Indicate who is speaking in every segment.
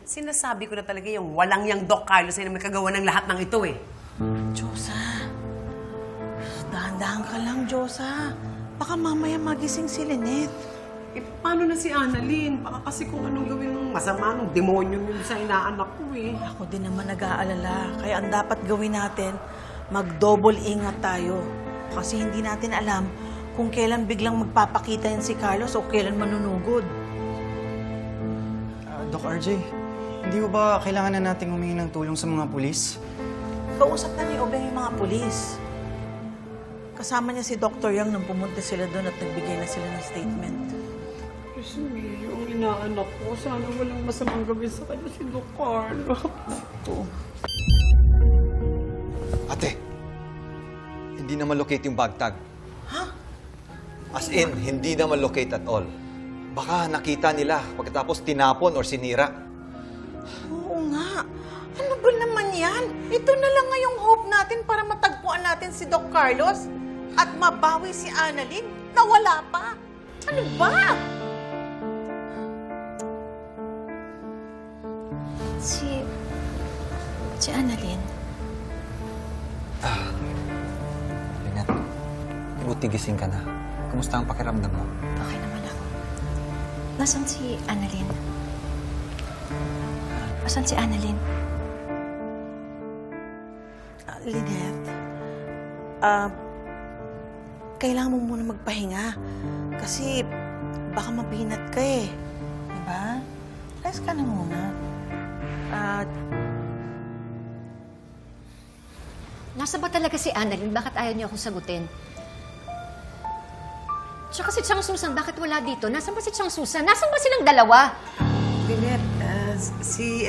Speaker 1: Sinasabi ko na talaga yung walang yang Doc Carlos ay na may kagawa ng lahat ng ito eh.
Speaker 2: Diyosa, dahan-dahan ka lang, Diyosa. Baka mamaya magising si Lynette.
Speaker 1: Eh, paano na si Annalyn? Baka kasi kung anong gawin ng masama ng demonyo yun sa inaanak ko eh.
Speaker 2: Ako din naman nag-aalala. Kaya ang dapat gawin natin, mag-double ingat tayo. Kasi hindi natin alam kung kailan biglang magpapakita yan si Carlos o kailan manunugod.
Speaker 3: Doc RJ, hindi mo ba kailangan na nating humingi ng tulong sa mga pulis?
Speaker 2: Kausap na ni Obeng yung mga pulis. Kasama niya si Dr. Yang nang pumunta sila doon at nagbigay na sila ng statement.
Speaker 1: Kasi yung inaanak ko, sana walang masamang gawin sa kanya si Doc Carlos.
Speaker 4: Ate, hindi na malocate yung bag tag.
Speaker 2: Ha?
Speaker 4: As in, hindi na malocate at all. Baka nakita nila pagkatapos tinapon or sinira.
Speaker 2: Oo nga. Ano ba naman yan? Ito na lang ngayong hope natin para matagpuan natin si Doc Carlos at mabawi si Annalyn na wala pa. Ano ba?
Speaker 5: Si Annalyn.
Speaker 4: Lynette, buti gising ka na. Kumusta ang pakiramdam mo?
Speaker 5: Okay naman ako. Nasaan si Annalyn? Nasaan si Annalyn?
Speaker 2: Lynette, kailangan mo muna magpahinga. Kasi baka mabinat ka eh. Diba? Rest ka na muna.
Speaker 6: Nasa ba talaga si Annalyn? Bakit ayaw niya akong sagutin? Tsaka si Chang Susan, bakit wala dito? Nasaan ba si Chang Susan? Nasaan ba silang dalawa?
Speaker 1: Lynette, si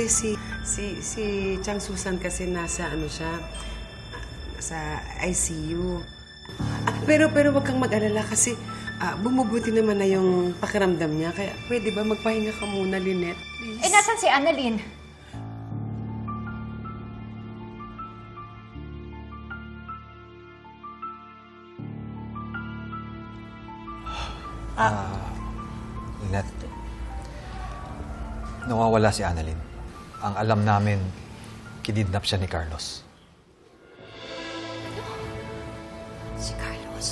Speaker 1: Chang Susan kasi nasa sa ICU. Pero wag kang mag-alala kasi bumubuti naman na yung pakiramdam niya. Kaya pwede ba magpahinga ka muna, Lynette? Please.
Speaker 6: Eh, nasaan si Annalyn?
Speaker 4: Lynette, nawawala si Annalyn. Ang alam namin, kinidnap siya ni Carlos.
Speaker 6: Si Carlos.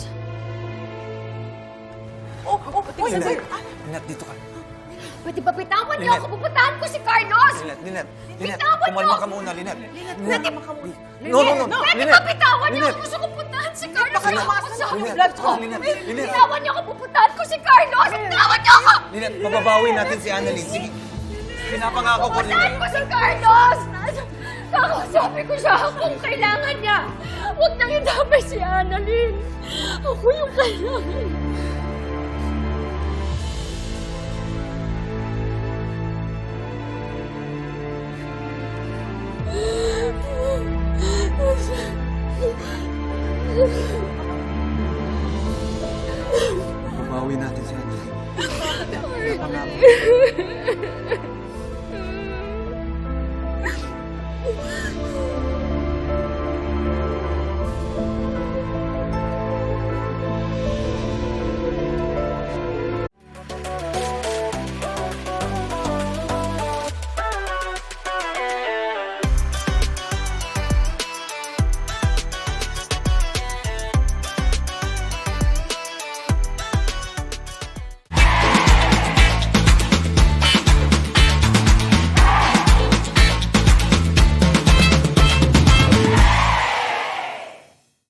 Speaker 4: Lynette, dito ka.
Speaker 6: Pwede ba bitawan niyo ako? Pupuntahan ko si Carlos!
Speaker 4: Lynette,
Speaker 6: Bitawan niyo!
Speaker 4: kumalma ka muna, Lynette.
Speaker 6: Pwede ba
Speaker 4: Lynette,
Speaker 6: bitawan niyo
Speaker 4: Lynette.
Speaker 6: ako? Gusto ko puntahan si Carlos!
Speaker 2: Baka lumasan
Speaker 6: Ako
Speaker 2: yung
Speaker 6: sa-
Speaker 2: blood ko.
Speaker 4: Lynette,
Speaker 6: Bitawan niyo ako! Pupuntahan ko si Carlos! Bitawan niyo ako!
Speaker 4: Lynette, mababawi natin si Annalyn. Sige, pinapangako ko,
Speaker 6: Pupuntahan
Speaker 4: Lynette.
Speaker 6: ko si Carlos! Kakasabi ko siya kung kailangan niya. Huwag nang idamay si Annalyn. Ako yung kailangan.
Speaker 4: Mababawi natin si Annalyn.